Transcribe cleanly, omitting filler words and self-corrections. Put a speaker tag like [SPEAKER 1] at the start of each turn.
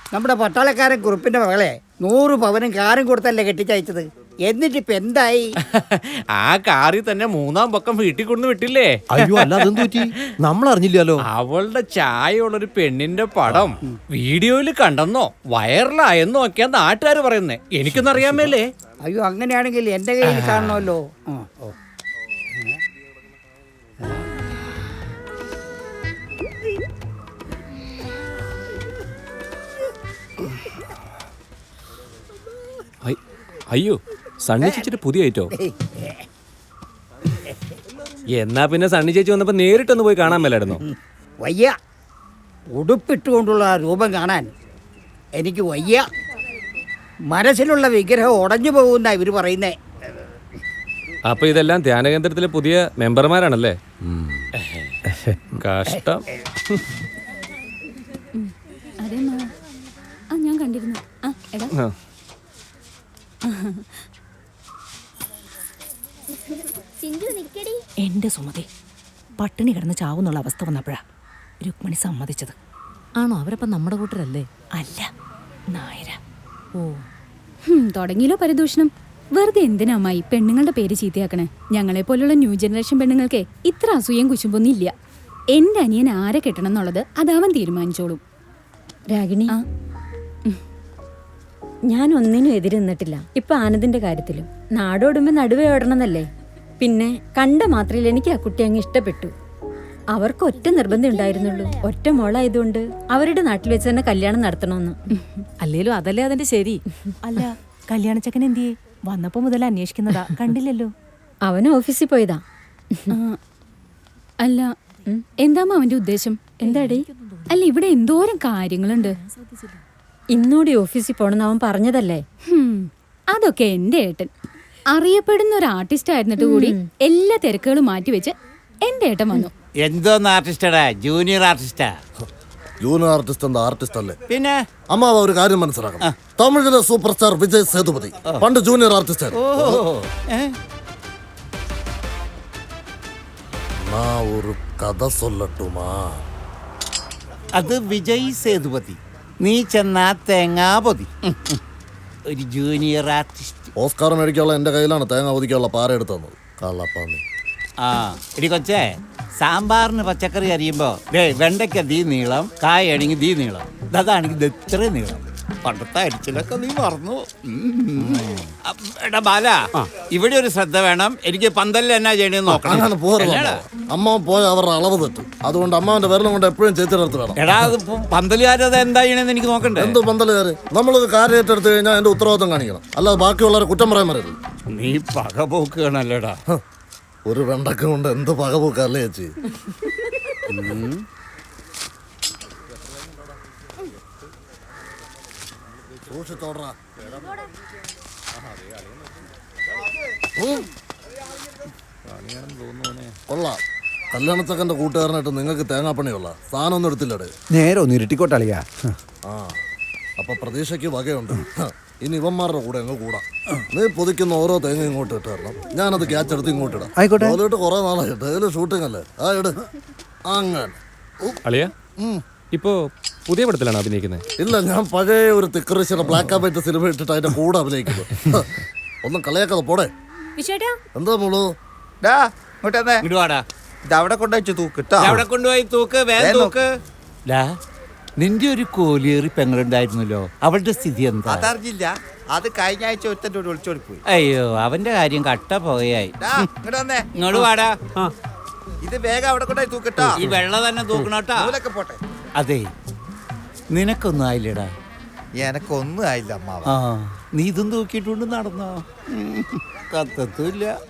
[SPEAKER 1] നമ്മുടെ പട്ടാളക്കാരൻ കുറുപ്പിന്റെ മകളെ 100 പവനും കാറും കൊടുത്തല്ലേ കെട്ടിച്ചയച്ചത്. എന്നിട്ടിപ്പ എന്തായി?
[SPEAKER 2] ആ കാറിൽ തന്നെ 3-ാം പക്കം വീട്ടിൽ കൊണ്ടു വിട്ടില്ലേ?
[SPEAKER 3] അയ്യോ അല്ല അതെന്ത് പറ്റി? നമ്മൾ അറിഞ്ഞില്ലല്ലോ.
[SPEAKER 2] അവളുടെ ചായയുള്ളൊരു പെണ്ണിന്റെ പടം വീഡിയോയിൽ കണ്ടെന്നോ വൈറലായെന്നോ ഒക്കെയാ നാട്ടുകാർ പറയുന്നേ. എനിക്കൊന്നും അറിയാമല്ലേ.
[SPEAKER 1] അയ്യോ അങ്ങനെയാണെങ്കിൽ എന്റെ കയ്യിൽ കാണണമല്ലോ.
[SPEAKER 3] അയ്യോ സണ്ണി ചേച്ചിട്ട് പുതിയ ഐറ്റോ. എന്നാ പിന്നെ സണ്ണി ചേച്ചി വന്നപ്പോ നേരിട്ടൊന്ന് പോയി കാണാൻ മേലായിരുന്നോ?
[SPEAKER 1] വയ്യ, ഉടുപ്പിട്ടുകൊണ്ടുള്ള ആ രൂപം കാണാൻ എനിക്ക് വയ്യ. മനസ്സിലുള്ള വിഗ്രഹം ഉടഞ്ഞു പോകുന്ന ഇവര് പറയുന്നേ.
[SPEAKER 3] അപ്പൊ ഇതെല്ലാം ധ്യാനകേന്ദ്രത്തിലെ പുതിയ മെമ്പർമാരാണല്ലേ? കഷ്ടം.
[SPEAKER 4] ഞാൻ കണ്ടിരുന്നു.
[SPEAKER 5] എന്റെ സുമതി പട്ടിണി കിടന്ന് ചാവുന്നുള്ള അവസ്ഥ വന്നപ്പോഴാ രുക്മിണി സമ്മതിച്ചത്.
[SPEAKER 4] ആണോ? അവരപ്പം നമ്മുടെ കൂട്ടരല്ലേ?
[SPEAKER 5] അല്ല, നായര.
[SPEAKER 4] ഓ, തുടങ്ങിയല്ലോ പരിദൂഷണം. വെറുതെ എന്തിനാ അമ്മായി പെണ്ണുങ്ങളുടെ പേര് ചീത്തയാക്കണേ? ഞങ്ങളെ പോലുള്ള ന്യൂ ജനറേഷൻ പെണ്ണുങ്ങൾക്ക് ഇത്ര അസൂയം കുശുമ്പൊന്നും ഇല്ല. എന്റെ അനിയൻ ആരെ കെട്ടണം എന്നുള്ളത് അതവൻ തീരുമാനിച്ചോളും.
[SPEAKER 6] രാഗിണി, ഞാൻ ഒന്നിനും എതിര് നിന്നിട്ടില്ല. ഇപ്പൊ ആനന്ദിന്റെ കാര്യത്തിലും നാടോടുമ്പോ നടുവേ ഓടണമെന്നല്ലേ. പിന്നെ കണ്ട മാത്രയിൽ എനിക്ക് ആ കുട്ടി അങ്ങ് ഇഷ്ടപ്പെട്ടു. അവർക്ക് ഒറ്റ നിർബന്ധം ഉണ്ടായിരുന്നുള്ളൂ, ഒറ്റ മോളായതുകൊണ്ട് അവരുടെ നാട്ടിൽ വെച്ച് തന്നെ കല്യാണം നടത്തണമെന്ന്.
[SPEAKER 5] അല്ലേലും അതല്ലേ അതിന്റെ ശരി. അല്ല, കല്യാണച്ചക്കൻ എന്തിയെ? വന്നപ്പോ മുതൽ അന്വേഷിക്കുന്നതാ, കണ്ടില്ലല്ലോ.
[SPEAKER 6] അവന് ഓഫീസിൽ പോയതാ.
[SPEAKER 4] അല്ല, എന്താ അവന്റെ ഉദ്ദേശം?
[SPEAKER 6] എന്താടി?
[SPEAKER 4] അല്ല, ഇവിടെ എന്തോരം കാര്യങ്ങളുണ്ട്.
[SPEAKER 6] ഇന്നൂടി ഓഫീസിൽ പോണെന്ന് അവൻ പറഞ്ഞതല്ലേ.
[SPEAKER 4] അതൊക്കെ എന്റെ ഏട്ടൻ അറിയപ്പെടുന്ന ഒരു ആർട്ടിസ്റ്റ് ആയിരുന്നിട്ട് കൂടി എല്ലാ തിരക്കുകളും മാറ്റിവെച്ച് എന്റെ ഏട്ടൻ വന്നു.
[SPEAKER 7] എന്തോന്ന് ആർട്ടിസ്റ്റടാ? ജൂനിയർ ആർട്ടിസ്റ്റാ?
[SPEAKER 8] ജൂനിയർ ആർട്ടിസ്റ്റ് എന്താ ആർട്ടിസ്റ്റ് അല്ലേ?
[SPEAKER 7] പിന്നെ
[SPEAKER 8] അമ്മാവ ഒരു കാര്യം മനസ്സിലാക്കണം. തമിഴിലെ സൂപ്പർ സ്റ്റാർ വിജയ് സേതുപതി പണ്ട് ജൂനിയർ ആർട്ടിസ്റ്റ് ഒരു കഥ സൊല്ലട്ടുമാ.
[SPEAKER 7] അത് വിജയ് സേതുപതി. നീ ചെന്നാ തേങ്ങാപതി. ഒരു ജൂനിയർ ആർട്ടിസ്റ്റ്.
[SPEAKER 8] ഓസ്കാർ മേടിക്കാനുള്ള എന്റെ കയ്യിലാണ് തേങ്ങ ഒതിക്കാനുള്ള പാര എടുത്തു തന്നത്. കള്ളപ്പാന്നി.
[SPEAKER 7] ആ എടി കൊച്ചേ, സാമ്പാറിന് പച്ചക്കറി അരിയുമ്പോ വെണ്ടയ്ക്ക ദീ നീളം, കായാണെങ്കിൽ ദീ നീളം, അതാണെങ്കിൽ ഇത്ര നീളം. പണ്ടത്തെ അരിച്ചിലൊക്കെ നീ മറന്നു. എടാ ബാല, ഇവിടെ ഒരു ശ്രദ്ധ വേണം. എനിക്ക് പന്തലിൽ എന്നാ ചെയ്യണെന്ന് നോക്കണം.
[SPEAKER 8] അമ്മ പോയ അവരുടെ അളവ് തെറ്റ്. അതുകൊണ്ട് അമ്മാവന്റെ വിരലും കൊണ്ട് എപ്പോഴും ചേച്ചിയുടെ വേണം.
[SPEAKER 7] എടാ, പന്തലുകാരത് എന്താ ചെയ്യണെന്ന് എനിക്ക് നോക്കണ്ടേ?
[SPEAKER 8] എന്ത് പന്തലുകാര്? നമ്മളൊരു കാര്യം ഏറ്റെടുത്ത് കഴിഞ്ഞാൽ എന്റെ ഉത്തരവാദിത്വം കാണിക്കണം, അല്ലാതെ ബാക്കിയുള്ളവരെ കുറ്റം പറയാൻ വരരുത്.
[SPEAKER 7] നീ പകപോക്കുകയാണല്ലേടാ.
[SPEAKER 8] ഒരു വെണ്ടക്ക കൊണ്ട് എന്ത് പകപോക്കല്ലേ ചേച്ചി? കൊള്ളാം. കല്യാണച്ചക്കന്റെ കൂട്ടുകാരനായിട്ട് നിങ്ങൾക്ക് തേങ്ങാപ്പണിയുള്ള സാധനം ഒന്നും എടുത്തില്ലടേ.
[SPEAKER 9] നേരെ ഒന്ന് ഇരുട്ടിക്കോട്ടളിയാ.
[SPEAKER 8] ആ, അപ്പൊ പ്രതീക്ഷയ്ക്ക് വകയുണ്ട്. ഇനി ഇവന്മാരുടെ കൂടെ അങ്ങ് കൂടാ. നീ പൊതിക്കുന്ന ഓരോ തേങ്ങ ഇങ്ങോട്ട് ഇട്ട് തരണം, ഞാനത് ക്യാച്ച് എടുത്ത് ഇങ്ങോട്ട് ഇടാം.
[SPEAKER 9] ആയിക്കോട്ടെ.
[SPEAKER 8] അതുകൊണ്ട് കുറെ നാളായി ഡെയിലി ഷൂട്ടിംഗ് അല്ലേ. ആ ഇട്. അങ്ങനെ
[SPEAKER 3] അളിയ ഇപ്പോ പുതിയ പടത്തിലാണ് അഭിനയിക്കുന്നത്?
[SPEAKER 8] ഇല്ല, ഞാൻ പഴയ ഒരു തിക്കറിശിയുടെ ബ്ലാക്ക് ആൻഡ് വൈറ്റ് സിനിമ ഇട്ടിട്ട് അതിന്റെ കൂടെ അഭിനയിക്കുന്നു. ഒന്നും കളയാക്കാതെ പോടെ. എന്താ മോളൂ?
[SPEAKER 7] അവിടെ കൊണ്ടുപോയി തൂക്ക്, വേഗം തൂക്ക്. നിന്റെ ഒരു കോലിയേറി പെങ്ങളുണ്ടായിരുന്നല്ലോ, അവളുടെ സ്ഥിതി എന്താ?
[SPEAKER 10] അതറിഞ്ഞില്ല. അത് കഴിഞ്ഞ ആഴ്ച ഒരുത്തൻ്റെ ഒളിച്ചോടി പോയി.
[SPEAKER 7] അയ്യോ, അവന്റെ കാര്യം കട്ട പോയായി. ഇങ്ങോട്ട് വാടാ.
[SPEAKER 10] ഇത് വേഗം അവിടെ കൊണ്ടുപോയി തൂക്കിട്ടോ.
[SPEAKER 7] ഈ വെള്ളം തന്നെ തൂക്കണോട്ടാ.
[SPEAKER 10] പോട്ടെ.
[SPEAKER 7] അതെ, നിനക്കൊന്നും ആയില്ലടാ.
[SPEAKER 10] എനക്കൊന്നും ആയില്ല അമ്മാവ.
[SPEAKER 7] ആ, നീ ഇതും തൂക്കിയിട്ടുണ്ട് നടന്നോ? കത്തത്തുമില്ല.